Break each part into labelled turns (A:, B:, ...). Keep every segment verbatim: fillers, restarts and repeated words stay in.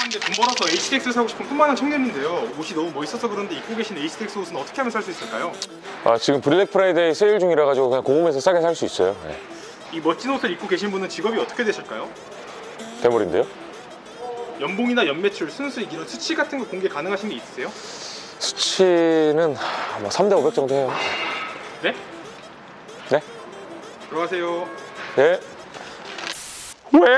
A: 죄송한데 돈 벌어서 에이치디엑스를 사고 싶은 꿈 많은 청년인데요. 옷이 너무 멋있어서 그런데 입고 계신 에이치디엑스 옷은 어떻게 하면 살 수 있을까요?
B: 아, 지금 블랙 프라이데이 세일 중이라 가지고 그냥 공홈에서 싸게 살 수 있어요. 네.
A: 이 멋진 옷을 입고 계신 분은 직업이 어떻게 되실까요?
B: 대물인데요?
A: 연봉이나 연매출, 순수익 이런 수치 같은 거 공개 가능하신 게 있으세요?
B: 수치는 아마 삼 대 오백 정도 해요.
A: 네?
B: 네?
A: 들어가세요.
B: 네. 왜?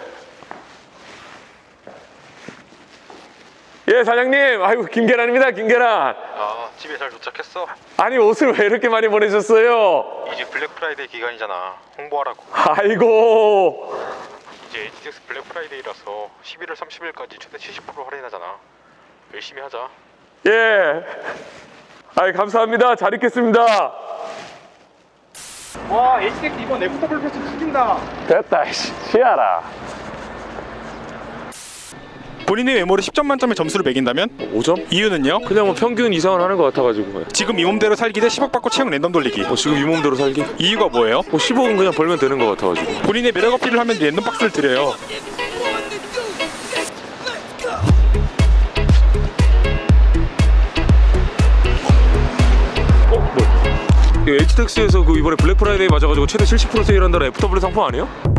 B: 예, 사장님. 아이고, 김계란입니다, 김계란.
C: 아, 집에 잘 도착했어?
B: 아니, 옷을 왜 이렇게 많이 보내셨어요?
C: 이제 블랙 프라이데이 기간이잖아. 홍보하라고.
B: 아이고.
C: 이제 에이치디엑스 블랙 프라이데이라서 십일월 삼십일까지 최대 칠십 퍼센트 할인하잖아. 열심히 하자.
B: 예. 아이, 감사합니다. 잘 입겠습니다.
A: 와, 에이치디엑스 이번 애프터블 패스 죽인다.
B: 됐다, 이씨. 치아라.
A: 본인의 외모를 십 점 만점의 점수를 매긴다면?
B: 오 점?
A: 이유는요?
B: 그냥 뭐 평균 이상은 하는 것 같아가지고.
A: 지금 이 몸대로 살기 대 십억 받고 채용 랜덤 돌리기.
B: 뭐 지금 이 몸대로 살기?
A: 이유가 뭐예요?
B: 뭐 십억은 그냥 벌면 되는 것 같아가지고.
A: 본인의 매력 어필을 하면 랜덤 박스를 드려요.
B: 어? 뭐? 에이치디엑스에서 그 이번에 블랙 프라이데이 맞아가지고 최대 칠십 퍼센트 세일한다는 애프터블랙 상품 아니에요?